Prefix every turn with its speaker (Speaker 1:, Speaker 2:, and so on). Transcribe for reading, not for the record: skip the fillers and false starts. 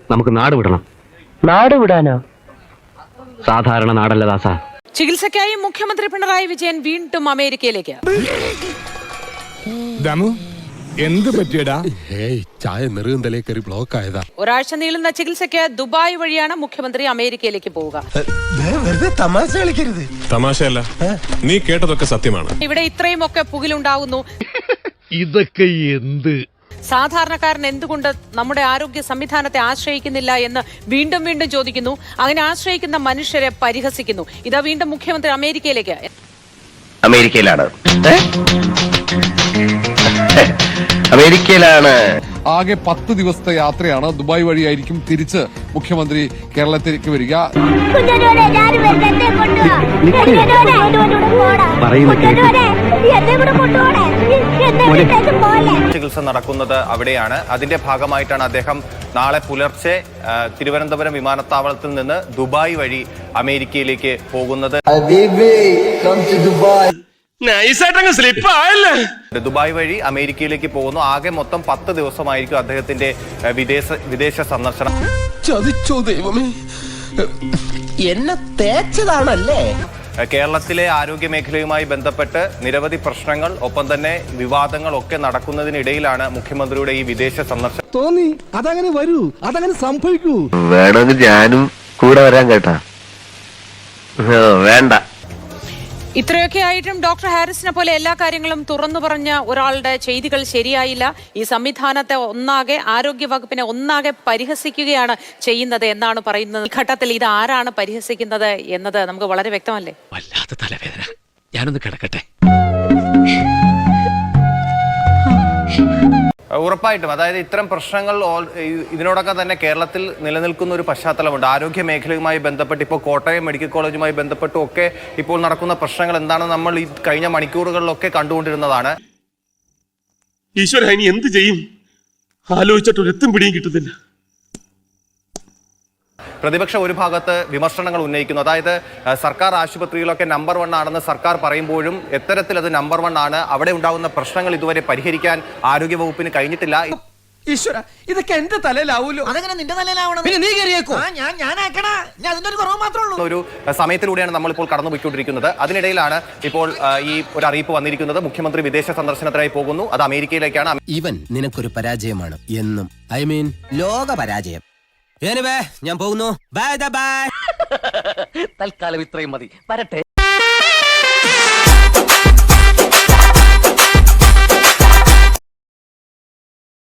Speaker 1: നമുക്ക് നാട് വിടണം.
Speaker 2: നാട് വിടാനോ?
Speaker 1: സാധാരണ നാടല്ല ദാസ.
Speaker 3: ചികിത്സയ്ക്കായി മുഖ്യമന്ത്രി പിണറായി വിജയൻ വീണ്ടും അമേരിക്കയിലേക്ക്.
Speaker 4: എന്ത് പറ്റിയടാ?
Speaker 5: ചായ നെറുകന്തലേ കയറി ബ്ലോക്ക് ആയതാ.
Speaker 3: ഒരാഴ്ച നീളുന്ന ചികിത്സയ്ക്ക് ദുബായ് വഴിയാണ് മുഖ്യമന്ത്രി അമേരിക്കയിലേക്ക് പോവുക.
Speaker 4: തമാശ കളിക്കരുത്.
Speaker 5: തമാശയല്ല, നീ കേട്ടതൊക്കെ സത്യമാണ്.
Speaker 3: ഇവിടെ ഇത്രയും ഒക്കെ പുകിലുണ്ടാകുന്നു.
Speaker 4: ഇതൊക്കെ എന്ത്?
Speaker 3: സാധാരണക്കാരൻ എന്തുകൊണ്ട് നമ്മുടെ ആരോഗ്യ സംവിധാനത്തെ ആശ്രയിക്കുന്നില്ല എന്ന് വീണ്ടും വീണ്ടും ചോദിക്കുന്നു. അങ്ങനെ ആശ്രയിക്കുന്ന മനുഷ്യരെ പരിഹസിക്കുന്നു. ഇതാ വീണ്ടും മുഖ്യമന്ത്രി അമേരിക്കയിലേക്ക്.
Speaker 1: അമേരിക്കയിലാണ്.
Speaker 6: ആകെ 10 ദിവസത്തെ യാത്രയാണ്. ദുബായ് വഴിയായിരിക്കും തിരിച്ച് മുഖ്യമന്ത്രി കേരളത്തിലേക്ക് വരിക.
Speaker 7: ചികിത്സ നടക്കുന്നത് അവിടെയാണ്. അതിന്റെ ഭാഗമായിട്ടാണ് അദ്ദേഹം നാളെ പുലർച്ചെ തിരുവനന്തപുരം വിമാനത്താവളത്തിൽ നിന്ന് ദുബായ് വഴി അമേരിക്കയിലേക്ക് പോകുന്നത്. ദുബായ് വഴി അമേരിക്കയിലേക്ക് പോകുന്നു. ആകെ മൊത്തം 10 ദിവസമായിരിക്കും അദ്ദേഹത്തിന്റെ വിദേശ സന്ദർശനം.
Speaker 5: ചതിച്ചോ ദൈവമേ,
Speaker 2: എന്നെ തേച്ചതാണല്ലേ?
Speaker 7: കേരളത്തിലെ ആരോഗ്യ മേഖലയുമായി ബന്ധപ്പെട്ട് നിരവധി പ്രശ്നങ്ങൾ ഒപ്പം തന്നെ വിവാദങ്ങൾ ഒക്കെ നടക്കുന്നതിനിടയിലാണ് മുഖ്യമന്ത്രിയുടെ ഈ വിദേശ സന്ദർശനം.
Speaker 4: തോന്നി അതങ്ങനെ വരൂ, അതങ്ങനെ സംഭവിക്കൂ.
Speaker 1: വേണമെങ്കിൽ ഞാനും കൂടെ വരാൻ കേട്ടാ. വേണ്ട.
Speaker 3: ഇത്രയൊക്കെ ആയിട്ടും ഡോക്ടർ ഹാരിസിനെ പോലെ എല്ലാ കാര്യങ്ങളും തുറന്നു പറഞ്ഞ ഒരാളുടെ ചെയ്തികൾ ശരിയായില്ല. ഈ സംവിധാനത്തെ ഒന്നാകെ, ആരോഗ്യ വകുപ്പിനെ ഒന്നാകെ പരിഹസിക്കുകയാണ് ചെയ്യുന്നത് എന്നാണ് പറയുന്നത്. ഈ ഘട്ടത്തിൽ ഇത് ആരാണ് പരിഹസിക്കുന്നത് എന്നത് നമുക്ക് വളരെ വ്യക്തമല്ലേ?
Speaker 1: വല്ലാത്ത തലവേദന, ഞാനൊന്ന് കിടക്കട്ടെ.
Speaker 7: ഉറപ്പായിട്ടും, അതായത് ഇത്തരം പ്രശ്നങ്ങൾ ഇതിനോടൊക്കെ തന്നെ കേരളത്തിൽ നിലനിൽക്കുന്ന ഒരു പശ്ചാത്തലമുണ്ട്. ആരോഗ്യ മേഖലയുമായി ബന്ധപ്പെട്ട് ഇപ്പോൾ കോട്ടയം മെഡിക്കൽ കോളേജുമായി ബന്ധപ്പെട്ടും ഒക്കെ ഇപ്പോൾ നടക്കുന്ന പ്രശ്നങ്ങൾ എന്താണെന്ന് നമ്മൾ ഈ കഴിഞ്ഞ മണിക്കൂറുകളിലൊക്കെ കണ്ടുകൊണ്ടിരുന്നതാണ്.
Speaker 5: ഈശ്വര, ഇനി എന്ത് ചെയ്യും? ആലോചിച്ചിട്ട് ഒരു എത്തും പിടിയും കിട്ടുന്നില്ല.
Speaker 7: പ്രതിപക്ഷം ഒരു ഭാഗത്ത് വിമർശനങ്ങൾ ഉന്നയിക്കുന്നു. അതായത് സർക്കാർ ആശുപത്രികളൊക്കെ നമ്പർ 1 ആണെന്ന് സർക്കാർ പറയുമ്പോഴും എത്തരത്തിൽ അത് നമ്പർ 1 ആണ്. അവിടെ ഉണ്ടാകുന്ന പ്രശ്നങ്ങൾ ഇതുവരെ പരിഹരിക്കാൻ ആരോഗ്യവകുപ്പിന് കഴിഞ്ഞിട്ടില്ല.
Speaker 2: ഈശ്വര, ഇതൊക്കെ എന്റെ തലയിലാവൂലോ? അതങ്ങനെ നിന്റെ തലയിലാവണം. പിന്നെ നീ കയറിയേക്കോ?
Speaker 7: ഒരു സമയത്തിലൂടെയാണ് നമ്മളിപ്പോൾ കടന്നുപോയിക്കൊണ്ടിരിക്കുന്നത്. അതിനിടയിലാണ് ഇപ്പോൾ ഈ ഒരു അറിയിപ്പ് വന്നിരിക്കുന്നത്. മുഖ്യമന്ത്രി വിദേശ സന്ദർശനത്തിനായി പോകുന്നു. അത് അമേരിക്കയിലേക്കാണ്.
Speaker 2: ഇവൻ നിനക്കൊരു പരാജയമാണ് എന്നും. ഐ മീൻ ലോക പരാജയം. ഞാൻ പോകുന്നു. Bye bye. തൽക്കാലം ഇത്രയും മതി. വരട്ടെ.